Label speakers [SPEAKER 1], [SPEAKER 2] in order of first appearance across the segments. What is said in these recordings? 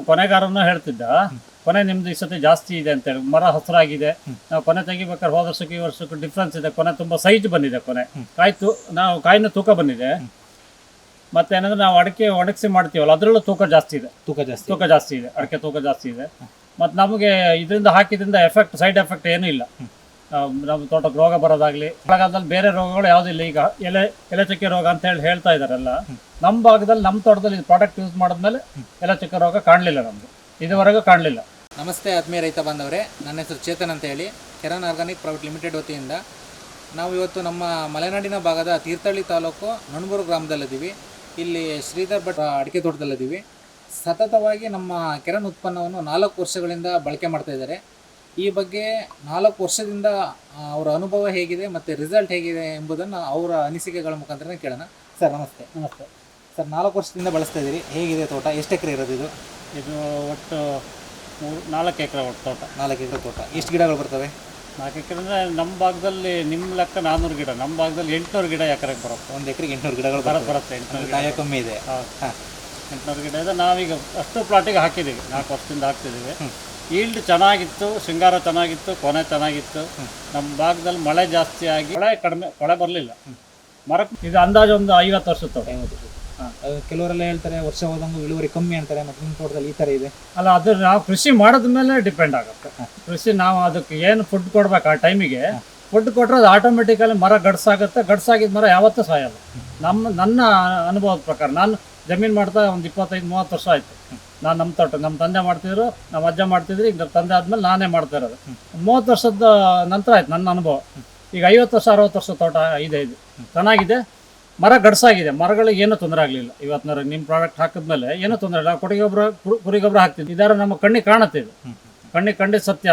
[SPEAKER 1] ಕೊನೆಗಾರನು ಹೇಳ್ತಿದ್ದ, ಕೊನೆ ನಿಮ್ದು ಈ ಸತಿ ಜಾಸ್ತಿ ಇದೆ ಅಂತೇಳಿ, ಮರ ಹಸಿರಾಗಿದೆ. ನಾವು ಕೊನೆ ತೆಗಿಬೇಕಾದ್ರೆ ಹೋದ ವರ್ಷಕ್ಕೆ ಈ ವರ್ಷಕ್ಕೆ ಡಿಫ್ರೆನ್ಸ್ ಇದೆ. ಕೊನೆ ತುಂಬ ಸೈಜ್ ಬಂದಿದೆ. ಕೊನೆ ನಾವು ಕಾಯಿನ ತೂಕ ಬಂದಿದೆ. ಮತ್ತೆ ಏನಂದ್ರೆ ನಾವು ಅಡಿಕೆ ಒಣಗಿಸಿ ಮಾಡ್ತೀವಲ್ಲ, ಅದರಲ್ಲೂ ತೂಕ ಜಾಸ್ತಿ ಇದೆ. ಅಡಿಕೆ ತೂಕ ಜಾಸ್ತಿ ಇದೆ. ಮತ್ತು ನಮಗೆ ಇದರಿಂದ ಹಾಕಿದ್ರಿಂದ ಸೈಡ್ ಎಫೆಕ್ಟ್ ಏನೂ ಇಲ್ಲ. ನಮ್ಮ ತೋಟಕ್ಕೆ ರೋಗ ಬರೋದಾಗ್ಲಿ, ಮಳೆಗಾಲದಲ್ಲಿ ಬೇರೆ ರೋಗಗಳು ಯಾವುದಿಲ್ಲ. ಈಗ ಎಲೆ ಚಕ್ಕೆ ರೋಗ ಅಂತ ಹೇಳ್ತಾ ಇದ್ದಾರೆಲ್ಲ. ನಮ್ಮ ಭಾಗದಲ್ಲಿ, ನಮ್ಮ ತೋಟದಲ್ಲಿ ಇದು ಪ್ರಾಡಕ್ಟ್ ಯೂಸ್ ಮಾಡಿದ್ಮೇಲೆ ಎಲೆ ಚಕ್ಕೆ ರೋಗ ಕಾಣಲಿಲ್ಲ, ನಮ್ದು ಇದುವರೆಗೂ ಕಾಣಲಿಲ್ಲ.
[SPEAKER 2] ನಮಸ್ತೆ ಆತ್ಮೀಯ ರೈತ ಬಾಂಧವರೇ, ನನ್ನ ಹೆಸರು ಚೇತನ್ ಅಂತ ಹೇಳಿ, ಕೆರನ್ ಆರ್ಗಾನಿಕ್ ಪ್ರೈವೇಟ್ ಲಿಮಿಟೆಡ್ ವತಿಯಿಂದ ನಾವು ಇವತ್ತು ನಮ್ಮ ಮಲೆನಾಡಿನ ಭಾಗದ ತೀರ್ಥಹಳ್ಳಿ ತಾಲೂಕು ನಣಬೂರು ಗ್ರಾಮದಲ್ಲಿದ್ದೀವಿ. ಇಲ್ಲಿ ಶ್ರೀಧರ್ ಭಟ್ ಅಡಿಕೆ ತೋಟದಲ್ಲಿದ್ದೀವಿ. ಸತತವಾಗಿ ನಮ್ಮ ಕೆರನ್ ಉತ್ಪನ್ನವನ್ನು 4 ವರ್ಷಗಳಿಂದ ಬಳಕೆ ಮಾಡ್ತಾ ಇದ್ದಾರೆ. ಈ ಬಗ್ಗೆ 4 ವರ್ಷದಿಂದ ಅವರ ಅನುಭವ ಹೇಗಿದೆ ಮತ್ತು ರಿಸಲ್ಟ್ ಹೇಗಿದೆ ಎಂಬುದನ್ನು ಅವರ ಅನಿಸಿಕೆಗಳ ಮುಖಾಂತರ ಕೇಳೋಣ. ಸರ್ ನಮಸ್ತೆ. ಸರ್, 4 ವರ್ಷದಿಂದ ಬಳಸ್ತಾ ಇದ್ದೀರಿ, ಹೇಗಿದೆ ತೋಟ? ಎಷ್ಟು ಎಕರೆ ಇರೋದು ಇದು?
[SPEAKER 1] ಇದು ಒಟ್ಟು 4 ಎಕರೆ ಒಟ್ಟು ತೋಟ.
[SPEAKER 2] 4 ಎಕರೆ ತೋಟ. ಎಷ್ಟು ಗಿಡಗಳು ಬರ್ತವೆ?
[SPEAKER 1] 4 ಎಕರೆ ಅಂದರೆ ನಮ್ಮ ಭಾಗದಲ್ಲಿ ನಿಮ್ಮ ಲೆಕ್ಕ 400 ಗಿಡ, ನಮ್ಮ ಭಾಗದಲ್ಲಿ 800 ಗಿಡ ಎಕರೆಗೆ ಬರುತ್ತೆ.
[SPEAKER 2] ಒಂದು ಎಕರೆಗೆ 800 ಗಿಡಗಳು
[SPEAKER 1] ಬರುತ್ತೆ. 800
[SPEAKER 2] ಕಾಯ ಕಮ್ಮಿ ಇದೆ.
[SPEAKER 1] ಹಾಂ, 800 ಗಿಡ ಇದೆ. ನಾವೀಗ ಅಷ್ಟು ಪ್ಲಾಟಿಗೆ ಹಾಕಿದ್ದೀವಿ, 4 ವರ್ಷದಿಂದ ಹಾಕ್ತಿದ್ದೀವಿ. ಈಲ್ಡ್ ಚೆನ್ನಾಗಿತ್ತು, ಶೃಂಗಾರ ಚೆನ್ನಾಗಿತ್ತು, ಕೊನೆ ಚೆನ್ನಾಗಿತ್ತು. ನಮ್ಮ ಭಾಗದಲ್ಲಿ ಮಳೆ ಜಾಸ್ತಿ ಆಗಿ ಕೊಳೆ ಬರಲಿಲ್ಲ. ಮರಕ್ಕೆ ಇದು ಅಂದಾಜು ಒಂದು 50 ವರ್ಷದ ತೋಟ.
[SPEAKER 2] ಕೆಲವರೆಲ್ಲ ಹೇಳ್ತಾರೆ ವರ್ಷ ಹೋದಂಗೆ ಇಳುವರಿ ಕಮ್ಮಿ ಅಂತಾರೆ. ಮತ್ತು ನಿಮ್ಮ ತೋಟದಲ್ಲಿ ಈ ಥರ ಇದೆ
[SPEAKER 1] ಅಲ್ಲ? ಅದು ನಾವು ಕೃಷಿ ಮಾಡೋದ ಮೇಲೆ ಡಿಪೆಂಡ್ ಆಗುತ್ತೆ. ಕೃಷಿ ನಾವು ಅದಕ್ಕೆ ಏನು ಫುಡ್ ಕೊಡ್ಬೇಕು, ಆ ಟೈಮಿಗೆ ಫುಡ್ ಕೊಟ್ಟರೆ ಅದು ಆಟೋಮೆಟಿಕಲಿ ಮರ ಗಡ್ಸಾಗುತ್ತೆ. ಗಡ್ಸಾಗಿದ್ದ ಮರ ಯಾವತ್ತೂ ಸಾಯಲ್ಲ. ನನ್ನ ಅನುಭವದ ಪ್ರಕಾರ, ನಾನು ಜಮೀನು ಮಾಡ್ತಾ ಒಂದು 25-30 ವರ್ಷ ಆಯಿತು. ನಾನು ನಮ್ಮ ತೋಟ, ನಮ್ಮ ತಂದೆ ಮಾಡ್ತಿದ್ರು, ನಮ್ಮ ಅಜ್ಜ ಮಾಡ್ತಿದ್ರು. ಈಗ ನಮ್ಮ ತಂದೆ ಆದಮೇಲೆ ನಾನೇ ಮಾಡ್ತಾ ಇರೋದು. 30 ವರ್ಷದ ನಂತರ ಆಯ್ತು ನನ್ನ ಅನುಭವ. ಈಗ 50 ವರ್ಷ 60 ವರ್ಷ ತೋಟ ಇದೆ. ಇದು ಚೆನ್ನಾಗಿದೆ, ಮರ ಗಡ್ಸಾಗಿದೆ. ಮರಗಳಿಗೆ ಏನೂ ತೊಂದರೆ ಆಗಲಿಲ್ಲ. ಇವತ್ತಿನ ನಿಮ್ಮ ಪ್ರಾಡಕ್ಟ್ ಹಾಕಿದ್ಮೇಲೆ ಏನೂ ತೊಂದರೆ ಇಲ್ಲ. ಕುರಿ ಗೊಬ್ಬರ ಹಾಕ್ತಿದ್ವಿ. ಇದರ ನಮ್ಮ ಕಣ್ಣಿಗೆ ಕಾಣುತ್ತೆ. ಇದು ಕಣ್ಣಿಗೆ ಸತ್ಯ.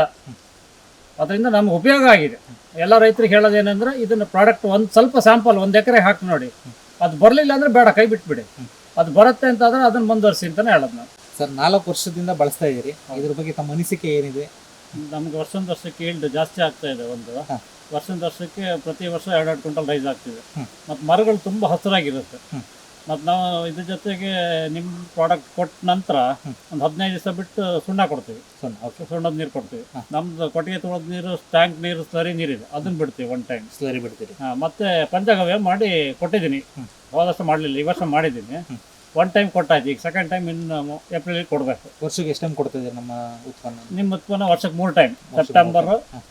[SPEAKER 1] ಅದರಿಂದ ನಮ್ಗೆ ಉಪಯೋಗ ಆಗಿದೆ. ಎಲ್ಲ ರೈತರಿಗೆ ಹೇಳೋದೇನೆಂದರೆ, ಇದನ್ನು ಪ್ರಾಡಕ್ಟ್ ಒಂದು ಸ್ವಲ್ಪ ಸ್ಯಾಂಪಲ್ 1 ಎಕರೆ ಹಾಕಿ ನೋಡಿ. ಅದು ಬರಲಿಲ್ಲ ಅಂದರೆ ಬೇಡ, ಕೈ ಬಿಟ್ಬಿಡಿ. ಅದು ಬರುತ್ತೆ ಅಂತಾದರೆ ಅದನ್ನು ಮುಂದುವರಿಸಿ ಅಂತಲೇ ಹೇಳೋದು ನಾನು.
[SPEAKER 2] ಸರ್, 4 ವರ್ಷದಿಂದ ಬಳಸ್ತಾ ಇದ್ದೀರಿ, ಇದ್ರ ಬಗ್ಗೆ ತಮ್ಮ ಅನಿಸಿಕೆ ಏನಿದೆ?
[SPEAKER 1] ನಮ್ಗೆ ವರ್ಷಕ್ಕೆ ಈಲ್ಡ್ ಜಾಸ್ತಿ ಆಗ್ತಾ ಇದೆ. ವರ್ಷಕ್ಕೆ ಪ್ರತಿ ವರ್ಷ 2 ಕ್ವಿಂಟಲ್ ರೈಸ್ ಆಗ್ತಿದೆ. ಮತ್ತು ಮರಗಳು ತುಂಬ ಹಸಿರಾಗಿರುತ್ತೆ. ಮತ್ತು ನಾವು ಇದ್ರ ಜೊತೆಗೆ ನಿಮ್ಮ ಪ್ರಾಡಕ್ಟ್ ಕೊಟ್ಟ ನಂತರ ಒಂದು 15 ದಿವಸ ಬಿಟ್ಟು ಸುಣ್ಣ ಕೊಡ್ತೀವಿ. ಸುಣ್ಣದ ನೀರು ಕೊಡ್ತೀವಿ. ನಮ್ದು ಕೊಟ್ಟಿಗೆ ತೊಳೆದ ನೀರು, ಟ್ಯಾಂಕ್ ನೀರು, ಸ್ಲರಿ ನೀರಿದೆ, ಅದನ್ನು ಬಿಡ್ತೀವಿ. 1 ಟೈಮ್
[SPEAKER 2] ಸ್ಲರಿ ಬಿಡ್ತೀವಿ.
[SPEAKER 1] ಮತ್ತೆ ಪಂಚಗವ್ಯ ಮಾಡಿ ಕೊಟ್ಟಿದ್ದೀನಿ. ಹೋದ ವರ್ಷ ಮಾಡಲಿಲ್ಲ, ಈ ವರ್ಷ ಮಾಡಿದ್ದೀನಿ. 1 ಟೈಮ್ ಕೊಟ್ಟಾಯ್ತು. ಈಗ 2nd ಟೈಮ್ ಇನ್ನು ಏಪ್ರಿಲ್ ಕೊಡಬೇಕು.
[SPEAKER 2] ವರ್ಷಕ್ಕೆ ಎಷ್ಟು ಟೈಮ್ ಕೊಡ್ತಿದ್ದೀರಿ ನಮ್ಮ ಉತ್ಪನ್ನ?
[SPEAKER 1] ನಿಮ್ಮ ಉತ್ಪನ್ನ ವರ್ಷಕ್ಕೆ 3 ಟೈಮ್, ಸೆಪ್ಟೆಂಬರ್,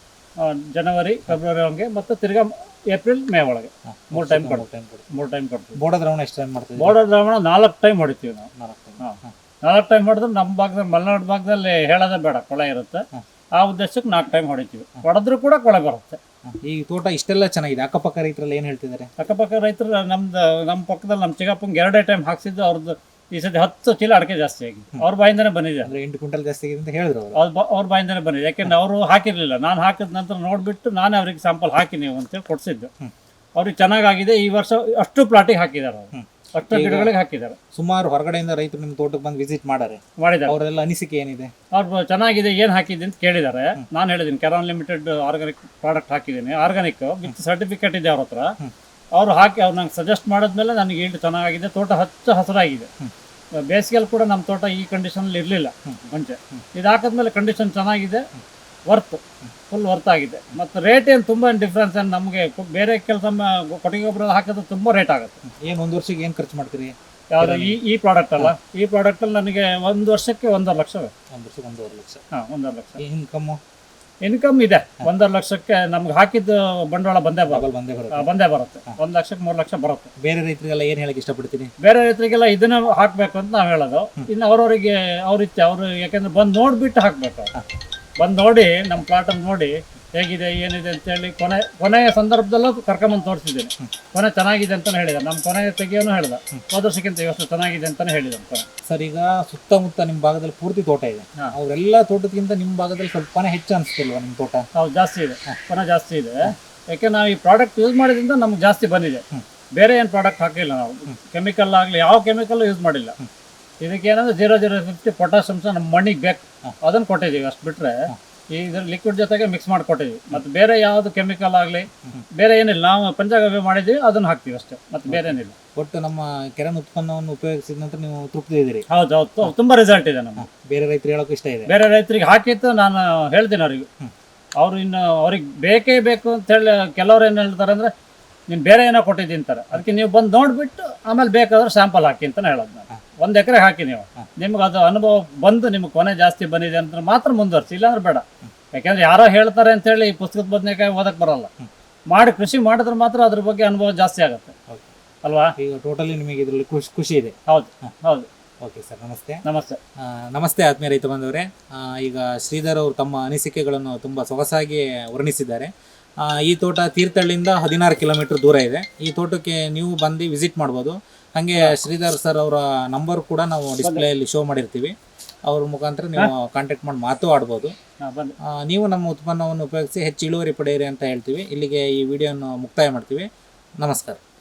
[SPEAKER 1] ಜನವರಿ, ಫೆಬ್ರವರಿ ಹಂಗೆ, ಮತ್ತು ತಿರ್ಗಾ ಏಪ್ರಿಲ್, ಮೇ ಒಳಗೆ 3 ಟೈಮ್ ಕೊಡ್ತೀವಿ.
[SPEAKER 2] ಬೋರ್ಡ ದ್ರಾವಣ ಎಷ್ಟು ಟೈಮ್ ಮಾಡ್ತೀವಿ?
[SPEAKER 1] ಬೋರ್ಡ ದ್ರಾವಣ 4 ಟೈಮ್ ಹೊಡಿತೀವಿ ನಾವು. 4 ಟೈಮ್ ಹೊಡೆದ್ರೆ ನಮ್ಮ ಭಾಗದಲ್ಲಿ, ಮಲೆನಾಡು ಭಾಗದಲ್ಲಿ ಹೇಳೋದೇ ಬೇಡ, ಕೊಳೆ ಇರುತ್ತೆ. ಆ ಉದ್ದೇಶಕ್ಕೆ 4 ಟೈಮ್ ಹೊಡಿತೀವಿ. ಹೊಡೆದ್ರೂ ಕೂಡ ಕೊಳೆ ಬರುತ್ತೆ.
[SPEAKER 2] ಈ ತೋಟ ಇಷ್ಟೆಲ್ಲ ಚೆನ್ನಾಗಿದೆ. ಅಕ್ಕಪಕ್ಕ ರೈತರಲ್ಲಿ ಏನು ಹೇಳ್ತಿದ್ದಾರೆ?
[SPEAKER 1] ಅಕ್ಕಪಕ್ಕ ರೈತರು ನಮ್ಮ ಪಕ್ಕದಲ್ಲಿ ನಮ್ಮ ಚಿಕ್ಕಪ್ಪಂಗೆ 2 ಟೈಮ್ ಹಾಕ್ಸಿದ್ದು. ಅವ್ರದ್ದು ಈ ಸತಿ 10 ಚೀಲ ಅಡಿಕೆ ಜಾಸ್ತಿ ಆಗಿದೆ. ಅವ್ರ ಬಾಯಿಂದನೇ ಬಂದಿದೆ.
[SPEAKER 2] ಅಂದರೆ 8 ಕ್ವಿಂಟಲ್ ಜಾಸ್ತಿ ಆಗಿದೆ ಅಂತ ಹೇಳಿದ್ರು
[SPEAKER 1] ಅವ್ರ ಬಾಯಿಂದನೇ ಬಂದಿದೆ. ಯಾಕೆಂದ್ರೆ ಅವರು ಹಾಕಿರಲಿಲ್ಲ. ನಾನು ಹಾಕಿದ ನಂತರ ನೋಡಿಬಿಟ್ಟು ನಾನೇ ಅವ್ರಿಗೆ ಸ್ಯಾಂಪಲ್ ಹಾಕಿ ನೀವು ಅಂತೇಳಿ ಕೊಡಿಸಿದ್ದು. ಅವ್ರಿಗೆ ಚೆನ್ನಾಗಾಗಿದೆ. ಈ ವರ್ಷ ಅಷ್ಟು ಪ್ಲಾಟಿಗೆ ಹಾಕಿದ್ದಾರೆ, ಅವರು ಅಷ್ಟು ಗಿಡಗಳಿಗೆ ಹಾಕಿದ್ದಾರೆ.
[SPEAKER 2] ಸುಮಾರು ಹೊರಗಡೆಯಿಂದ ರೈತರು ನಿಮ್ಮ ತೋಟಕ್ಕೆ ಬಂದು ವಿಸಿಟ್ ಮಾಡಿದ್ದಾರೆ. ಅವರೆಲ್ಲ ಅನಿಸಿಕೆ ಏನಿದೆ?
[SPEAKER 1] ಅವ್ರು ಚೆನ್ನಾಗಿದೆ, ಏನು ಹಾಕಿದ್ದೀನಿ ಅಂತ ಕೇಳಿದ್ದಾರೆ. ನಾನು ಹೇಳಿದ್ದೀನಿ, ಕೆರಾನ್ ಲಿಮಿಟೆಡ್ ಆರ್ಗಾನಿಕ್ ಪ್ರಾಡಕ್ಟ್ ಹಾಕಿದ್ದೀನಿ. ಆರ್ಗಾನಿಕ್ ವಿತ್ ಸರ್ಟಿಫಿಕೇಟ್ ಇದೆ ಅವ್ರ ಹತ್ರ. ಅವ್ರು ನಂಗೆ ಸಜೆಸ್ಟ್ ಮಾಡಿದ್ಮೇಲೆ ನನಗೆ ಈಲ್ಡ್ ಚೆನ್ನಾಗಿದೆ. ತೋಟ ಹಸಿರಾಗಿದೆ. ಬೇಸಿಗೆಯಲ್ಲಿ ಕೂಡ ನಮ್ಮ ತೋಟ ಈ ಕಂಡೀಷನಲ್ಲಿ ಇರಲಿಲ್ಲ ಮುಂಚೆ. ಇದು ಹಾಕಿದ್ಮೇಲೆ ಕಂಡೀಷನ್ ಚೆನ್ನಾಗಿದೆ. ಫುಲ್ ವರ್ತ್ ಆಗಿದೆ. ಮತ್ತು ರೇಟ್ ಏನು ತುಂಬ ಡಿಫ್ರೆನ್ಸ್ ಏನು ನಮಗೆ. ಬೇರೆ ಕೆಲಸ ಕೊಟ್ಟಿಗೆ ಗೊಬ್ಬರ ಹಾಕಿದ್ರೆ ತುಂಬ ರೇಟ್ ಆಗುತ್ತೆ.
[SPEAKER 2] ಏನು 1 ವರ್ಷಕ್ಕೆ ಏನು ಖರ್ಚು ಮಾಡ್ತೀರಿ?
[SPEAKER 1] ಯಾವುದು ಈ ಪ್ರಾಡಕ್ಟ್ ಅಲ್ಲ? ಈ ಪ್ರಾಡಕ್ಟಲ್ಲಿ ನನಗೆ 1 ವರ್ಷಕ್ಕೆ 1.5 ಲಕ್ಷ.
[SPEAKER 2] 1 ವರ್ಷಕ್ಕೆ 1.5 ಲಕ್ಷ.
[SPEAKER 1] ಹಾಂ, 1.5 ಲಕ್ಷ
[SPEAKER 2] ಇನ್ಕಮ್
[SPEAKER 1] ಇದೆ. 1.5 ಲಕ್ಷಕ್ಕೆ ನಮ್ಗೆ ಹಾಕಿದ್ದು ಬಂಡವಾಳ ಬಂದೇ ಬರುತ್ತೆ. 1 ಲಕ್ಷಕ್ಕೆ 3 ಲಕ್ಷ ಬರುತ್ತೆ.
[SPEAKER 2] ಬೇರೆ ರೈತರಿಗೆಲ್ಲ ಏನು ಹೇಳಕ್ಕೆ ಇಷ್ಟಪಡ್ತೀನಿ?
[SPEAKER 1] ಬೇರೆ ರೈತರಿಗೆಲ್ಲ ಇದನ್ನ ಹಾಕಬೇಕು ಅಂತ ನಾವು ಹೇಳೋದು. ಇನ್ನು ಅವ್ರವರಿಗೆ ಅವ್ರಿಚ್ಛೆ. ಅವರು ಯಾಕೆಂದ್ರೆ ಬಂದು ನೋಡಿಬಿಟ್ಟು ಹಾಕಬೇಕು. ಬಂದು ನೋಡಿ, ನಮ್ಮ ಪ್ಲಾಟನ್ನು ನೋಡಿ ಹೇಗಿದೆ ಏನಿದೆ ಅಂತೇಳಿ ಕೊನೆಯ ಸಂದರ್ಭದಲ್ಲೂ ಕರ್ಕೊಂಬಂದು ತೋರಿಸಿದ್ದೀನಿ. ಕೊನೆ ಚೆನ್ನಾಗಿದೆ ಅಂತಲೇ ಹೇಳಿದ್ದಾರೆ. ನಮ್ಮ ಕೊನೆಯ ತೆಗಿಯೋನು ಹೇಳ್ದ, ಹೋದ ವರ್ಷಕ್ಕಿಂತ ಇವತ್ತು ಚೆನ್ನಾಗಿದೆ ಅಂತಲೇ ಹೇಳಿದ್ದಾರೆ ಕೊನೆ.
[SPEAKER 2] ಸರ್, ಈಗ ಸುತ್ತಮುತ್ತ ನಿಮ್ಮ ಭಾಗದಲ್ಲಿ ಪೂರ್ತಿ ತೋಟ ಇದೆ. ಅವರೆಲ್ಲ ತೋಟಕ್ಕಿಂತ ನಿಮ್ಮ ಭಾಗದಲ್ಲಿ ಸ್ವಲ್ಪ ಕೊನೆ ಹೆಚ್ಚು ಅನಿಸ್ತಿಲ್ವಾ ನಿಮ್ಮ ತೋಟ?
[SPEAKER 1] ಹೌದು, ಜಾಸ್ತಿ ಇದೆ. ಕೊನೆ ಜಾಸ್ತಿ ಇದೆ. ಯಾಕೆ ನಾವು ಈ ಪ್ರಾಡಕ್ಟ್ ಯೂಸ್ ಮಾಡಿದ್ರಿಂದ ನಮ್ಗೆ ಜಾಸ್ತಿ ಬಂದಿದೆ. ಬೇರೆ ಏನು ಪ್ರಾಡಕ್ಟ್ ಹಾಕಿಲ್ಲ ನಾವು. ಕೆಮಿಕಲ್ ಆಗಲಿ ಯಾವ ಕೆಮಿಕಲ್ಲು ಯೂಸ್ ಮಾಡಿಲ್ಲ. ಇದಕ್ಕೆ ಏನಂದ್ರೆ 0.050 ಪೊಟ್ಯಾಷ್ ಅಂಶ ನಮ್ಮ ಮಣ್ಣಿಗೆ ಬೇಕು, ಅದನ್ನು ಕೊಟ್ಟಿದ್ದೀವಿ. ಅಷ್ಟು ಬಿಟ್ಟರೆ ಇದ್ರ ಲಿಕ್ವಿಡ್ ಜೊತೆಗೆ ಮಿಕ್ಸ್ ಮಾಡಿಕೊಟ್ಟಿದ್ವಿ. ಮತ್ತು ಬೇರೆ ಯಾವುದು ಕೆಮಿಕಲ್ ಆಗಲಿ ಬೇರೆ ಏನಿಲ್ಲ, ನಾವು ಪಂಚಗವ್ಯ ಮಾಡಿದ್ದೀವಿ ಅದನ್ನು ಹಾಕ್ತೀವಿ ಅಷ್ಟೇ, ಮತ್ತು ಬೇರೆ ಏನಿಲ್ಲ.
[SPEAKER 2] ಒಟ್ಟು ನಮ್ಮ ಕೆರನ್ ಉತ್ಪನ್ನವನ್ನು ಉಪಯೋಗಿಸಿದ ನಂತರ ನೀವು ತೃಪ್ತಿ ಇದ್ದೀರಿ?
[SPEAKER 1] ಹೌದು ಹೌದು, ತುಂಬ ರಿಸಲ್ಟ್ ಇದೆ ನಮಗೆ.
[SPEAKER 2] ಬೇರೆ ರೈತರು ಹೇಳೋಕೆ ಇಷ್ಟ ಇದೆ?
[SPEAKER 1] ಬೇರೆ ರೈತರಿಗೆ ಹಾಕಿತ್ತು ನಾನು ಹೇಳ್ತೀನಿ ಅವ್ರಿಗೆ. ಅವರು ಇನ್ನು ಅವ್ರಿಗೆ ಬೇಕೇ ಬೇಕು ಅಂತ ಹೇಳಿ ಕೆಲವ್ರು ಏನು ಹೇಳ್ತಾರೆ ಅಂದರೆ ನೀನು ಬೇರೆ ಏನೋ ಕೊಟ್ಟಿದ್ದೀನಿ ಅಂತಾರೆ. ಅದಕ್ಕೆ ನೀವು ಬಂದು ನೋಡಿಬಿಟ್ಟು ಆಮೇಲೆ ಬೇಕಾದ್ರೆ ಸ್ಯಾಂಪಲ್ ಹಾಕಿ ಅಂತಲೇ ಹೇಳೋದು ನಾನು. 1 ಎಕರೆ ಹಾಕಿ ನೀವು, ನಿಮ್ಗೆ ಅದು ಅನುಭವ ಬಂದು ನಿಮ್ಗೆ ಕೊನೆ ಜಾಸ್ತಿ ಬಂದಿದೆ ಅಂತ ಮಾತ್ರ ಮುಂದುವರಿಸಿ, ಇಲ್ಲಾಂದ್ರೆ ಬೇಡ. ಯಾಕೆಂದ್ರೆ ಯಾರೋ ಹೇಳ್ತಾರೆ ಅಂತೇಳಿ ಈ ಪುಸ್ತಕದ ಬದನೆಕಾಯಿ ಓದಕ್ಕೆ ಬರೋಲ್ಲ. ಮಾಡಿ ಕೃಷಿ ಮಾಡಿದ್ರೆ ಮಾತ್ರ ಅದ್ರ ಬಗ್ಗೆ ಅನುಭವ ಜಾಸ್ತಿ ಆಗುತ್ತೆ ಅಲ್ವಾ?
[SPEAKER 2] ಈಗ ಟೋಟಲಿ ನಿಮಗೆ ಇದರಲ್ಲಿ ಖುಷಿ ಇದೆ?
[SPEAKER 1] ಹೌದು ಹೌದು.
[SPEAKER 2] ಓಕೆ ಸರ್, ನಮಸ್ತೆ.
[SPEAKER 1] ನಮಸ್ತೆ.
[SPEAKER 2] ನಮಸ್ತೆ ಆತ್ಮೀಯ ರೈತ ಬಂದವರೇ. ಈಗ ಶ್ರೀಧರ್ ಅವರು ತಮ್ಮ ಅನಿಸಿಕೆಗಳನ್ನು ತುಂಬ ಸೊಗಸಾಗಿ ವರ್ಣಿಸಿದ್ದಾರೆ. ಈ ತೋಟ ತೀರ್ಥಹಳ್ಳಿಯಿಂದ 16 ಕಿಲೋಮೀಟರ್ ದೂರ ಇದೆ. ಈ ತೋಟಕ್ಕೆ ನೀವು ಬಂದು ವಿಸಿಟ್ ಮಾಡ್ಬೋದು. ಹಾಗೆ ಶ್ರೀಧರ್ ಸರ್ ಅವರ ನಂಬರ್ ಕೂಡ ನಾವು ಡಿಸ್ಪ್ಲೇಯಲ್ಲಿ ಶೋ ಮಾಡಿರ್ತೀವಿ. ಅವ್ರ ಮುಖಾಂತರ ನೀವು ಕಾಂಟ್ಯಾಕ್ಟ್ ಮಾಡಿ ಮಾತು ಆಡ್ಬೋದು. ನೀವು ನಮ್ಮ ಉತ್ಪನ್ನವನ್ನು ಉಪಯೋಗಿಸಿ ಹೆಚ್ಚು ಇಳುವರಿ ಪಡೆಯಿರಿ ಅಂತ ಹೇಳ್ತೀವಿ. ಇಲ್ಲಿಗೆ ಈ ವಿಡಿಯೋನ ಮುಕ್ತಾಯ ಮಾಡ್ತೀವಿ. ನಮಸ್ಕಾರ.